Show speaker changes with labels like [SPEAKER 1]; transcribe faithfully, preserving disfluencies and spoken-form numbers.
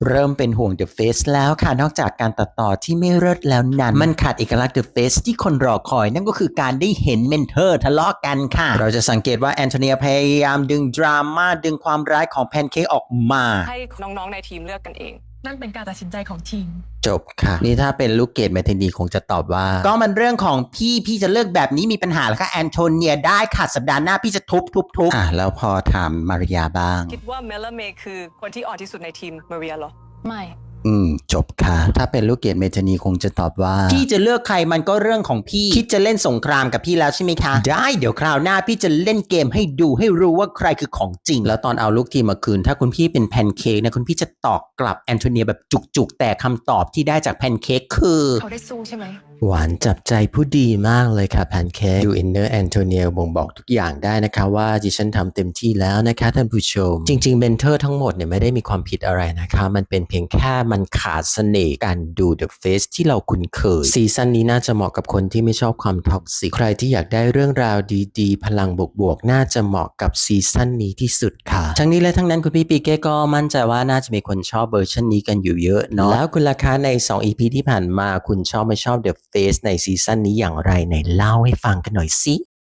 [SPEAKER 1] เริ่มเป็นห่วง The Face แล้วค่ะนอกจากการตัดต่อที่ไม่เลิศแล้วนั้นมันขาดเอกลักษณ์ The Face ที่คนรอคอยนั่นก็คือการได้เห็นเมนเทอร์ทะเลาะกันค่ะเราจะสังเกตว่าแอนโทเนียพยายามดึงดราม่าดึงความร้ายของแพนเค้กออกมา
[SPEAKER 2] ให้น้องๆในทีมเลือกกันเอง
[SPEAKER 3] นั่นเป็นการตัดสินใจของทีม
[SPEAKER 1] จบค่ะนี่ถ้าเป็นลูกเกดแมทนีคงจะตอบว่าก็มันเรื่องของพี่พี่จะเลือกแบบนี้มีปัญหาแล้วค่ะแอนโทเนียได้ค่ะสัปดาห์หน้าพี่จะทุบทุบทุบอ่ะแล้วพอถามมาริยาบ้าง
[SPEAKER 2] คิดว่าเมลเมย์คือคนที่อ่อนที่สุดในทีมมาเรียเหรอ
[SPEAKER 3] ไม่
[SPEAKER 1] อืมจบค่ะถ้าเป็นลูกเกดเมทนีคงจะตอบว่าพี่จะเลือกใครมันก็เรื่องของพี่คิดจะเล่นสงครามกับพี่แล้วใช่ไหมคะได้เดี๋ยวคราวหน้าพี่จะเล่นเกมให้ดูให้รู้ว่าใครคือของจริงแล้วตอนเอาลูกทีมมาคืนถ้าคุณพี่เป็นแพนเค้กนะคุณพี่จะตอบกลับแอนโทเนียแบบจุกๆแต่คำตอบที่ได้จากแพนเค้กคือ
[SPEAKER 3] เขาได้สู้ใช่ไหม
[SPEAKER 1] หวานจับใจผู้ดีมากเลยค่ะแพนเค้กดูอินเนอร์แอนโทเนียบ่งบอกทุกอย่างได้นะคะว่าดิฉันทำเต็มที่แล้วนะคะท่านผู้ชมจริงๆเมนเทอร์ทั้งหมดเนี่ยไม่ได้มีความผิดอะไรนะคะมันเป็นเพียงแค่มันขาดเสน่ห์การดู The Face ที่เราคุ้นเคยซีซั่นนี้น่าจะเหมาะกับคนที่ไม่ชอบความท็อกซิกใครที่อยากได้เรื่องราวดีๆพลังบวกๆน่าจะเหมาะกับซีซั่นนี้ที่สุดค่ะทั้งนี้และทั้งนั้นคุณพี่ปีเก้ก็มั่นใจว่าน่าจะมีคนชอบเวอร์ชันนี้กันอยู่เยอะเนาะแล้วคุณราคาในสอง อี พี ที่ผ่านมาคุณชอบไม่ชอบ The Face ในซีซั่นนี้อย่างไรไหนเล่าให้ฟังกันหน่อยสิ